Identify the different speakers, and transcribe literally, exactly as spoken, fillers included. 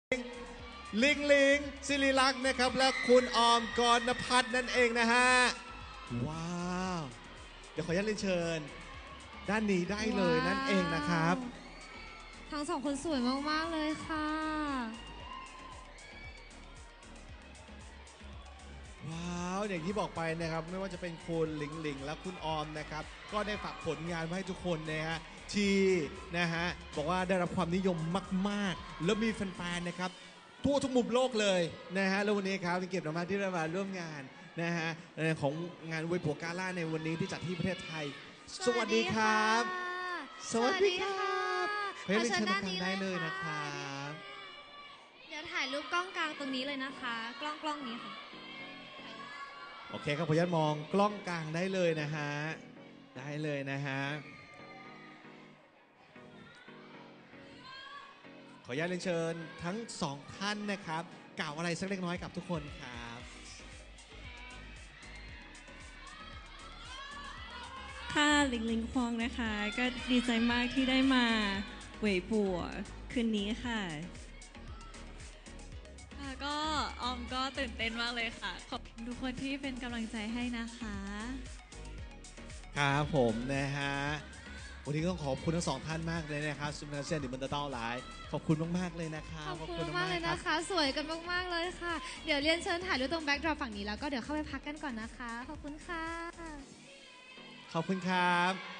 Speaker 1: ลิงลิงศิริลักษณ์นะครับและคุณออมกรณพัฒน์นั่นเองนะฮะว้าวเดี๋ยวขออนุญาตเรียนเชิญด้านนี้ได้เลยนั่นเองนะครับ
Speaker 2: ทั้งสองคนสวยมากๆเลยค่ะ
Speaker 1: ว้าวอย่างที่บอกไปนะครับไม่ว่าจะเป็นคุณหลิงหลิงและคุณออมนะครับก็ได้ฝากผลงานไว้ให้ทุกคนนะฮะที่นะฮะบอกว่าได้รับความนิยมมากๆแล้วมีแฟนๆนะครับทั่วทุกมุมโลกเลยนะฮะแล้ววันนี้ครับเป็นเกียรติมากที่ได้มาร่วมงานนะฮะของงานเวยผัวกาล่าในวันนี้ที่จัดที่ประเทศไทยสวัสดีครับสวัสดีครับเพื่อนเชิญทางได้เลยนะครับ
Speaker 2: เดี๋ยวถ่ายรูปกล้องกลางตรงนี้เลยนะคะกล้องกล้องนี้ค่ะ
Speaker 1: โอเคครับขออนุญาตมองกล้องกลางได้เลยนะฮะได้เลยนะฮะขออนุญาตเรียนเชิญทั้งสองท่านนะครับกล่าวอะไรสักเล็กน้อยกับทุกคนครับ
Speaker 3: ค่ะหลิงหลิงควงนะคะก็ดีใจมากที่ได้มาเหวยปัวคืนนี้ค่ะ
Speaker 4: ค่ะก็ออมก็ตื่นเต้นมากเลยค่ะขอบคุณทุกคนที่เป็นกำลังใจให้นะคะ
Speaker 1: ครับผมนะฮะวันนี้ต้องขอบคุณทั้งสองท่านมากเลยนะครับซุปเปอร์เซียนดิมันเตอร์ไลฟ์ขอบคุณมากๆเลยนะครับ
Speaker 2: ขอบคุณมากเลยนะคะสวยกันมากๆเลยค่ะเดี๋ยวเรียนเชิญถ่ายรูปตรงแบ็คดรอปฝั่งนี้แล้วก็เดี๋ยวเข้าไปพักกันก่อนนะคะขอบคุณค่ะ
Speaker 1: ขอบคุณครับ